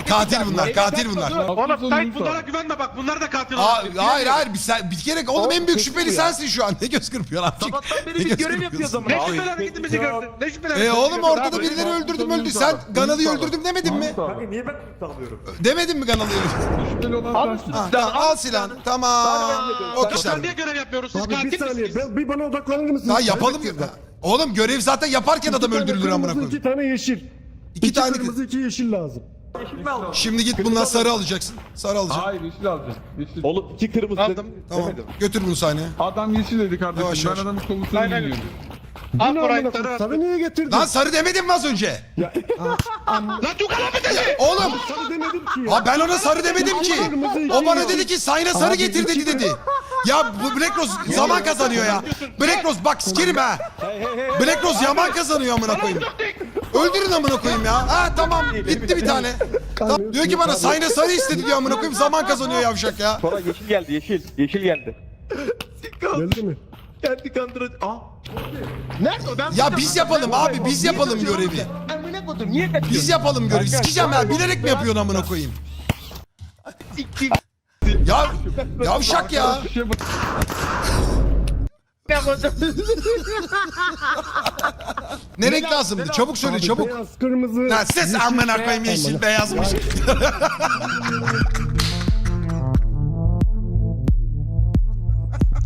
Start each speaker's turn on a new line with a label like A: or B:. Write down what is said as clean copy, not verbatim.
A: katil bunlar, katil bunlar.
B: Oğlum Sait bunlara güvenme bak. Bunlar da katil.
A: Hayır bir kere oğlum en büyük şüpheli sensin şu an. Ne göz kırpıyorsun abi?
C: Sabahtan beri biz görev yapıyoruz ama.
B: Ne şüpheli hareketimizi gördün? Ne şüpheli hareketimizi
A: Oğlum ortada birileri öldürdüm. Sen Ganalı'yı öldürdüm demedin mi?
D: Kanka niye ben tutamıyorum?
A: Demedin mi Ganalı'yı öldürdüm?
E: Şüpheli olan sensin.
A: Tamam, al silahını. Tamam. O
B: Biz
A: kişiler.
B: niye görev yapıyoruz? Siz
D: Abi bir
B: katil
D: saniye
B: misiniz?
D: bir bana odaklanır mısınız?
A: Ya yapalım. Oğlum görev zaten yaparken adam öldürülür amına koyayım.
D: 2 tane yeşil.
A: İki tane.
D: kırmızı 2 yeşil lazım.
A: Şimdi git bundan sarı alacaksın. Sarı alacaksın.
E: Hayır yeşil alacağım. Yeşil.
C: Oğlum 2 kırmızı
B: Aldım.
C: dedim.
A: Tamam.
C: Demedim.
A: Götür bunu sahneye.
E: Adam yeşil dedi kardeşim.
A: Yavaş, yavaş.
E: Ben adamın kolusunu
B: Aynen.
E: biliyorum.
B: Al
D: Ne
B: burayı.
D: amına koyayım? Sarı niye getirdin?
A: Lan sarı demedim mi az önce?
B: Lan Tukan abi dedi.
A: Oğlum.
D: Sarı demedim ki ya.
A: Ha ben ona sarı demedim ki. O bana dedi ki sayna sarı
D: Abi,
A: getir
D: iki
A: dedi. Ya bu Black Rose zaman kazanıyor ya. Black Rose bak sikerim ha. Black Rose yaman kazanıyor amına koyayım. Öldürün amına koyayım ya. Ha tamam gitti bir tane. Tamam, diyor ki bana sayna sarı istedi diyor amına koyayım zaman kazanıyor yavşak ya.
C: Sonra yeşil geldi yeşil. Yeşil geldi.
D: Geldi mi?
C: Kendi kandırıcı. Aa.
B: Nerede o? Ben
A: Ya biz yapalım abi biz yapalım görevi.
C: Amına koydum niye kaçıyorsun?
A: Biz yapalım görevi. Sikeceğim ya bilerek mi yapıyorsun amına koyayım? Ya yavşak ya.
E: Bir şey bak.
A: Ne renk lazımdı? Çabuk söyle
D: Abi,
A: çabuk.
D: Beyaz, kırmızı.
A: Lan ses amına koyayım yeşil beyazmış.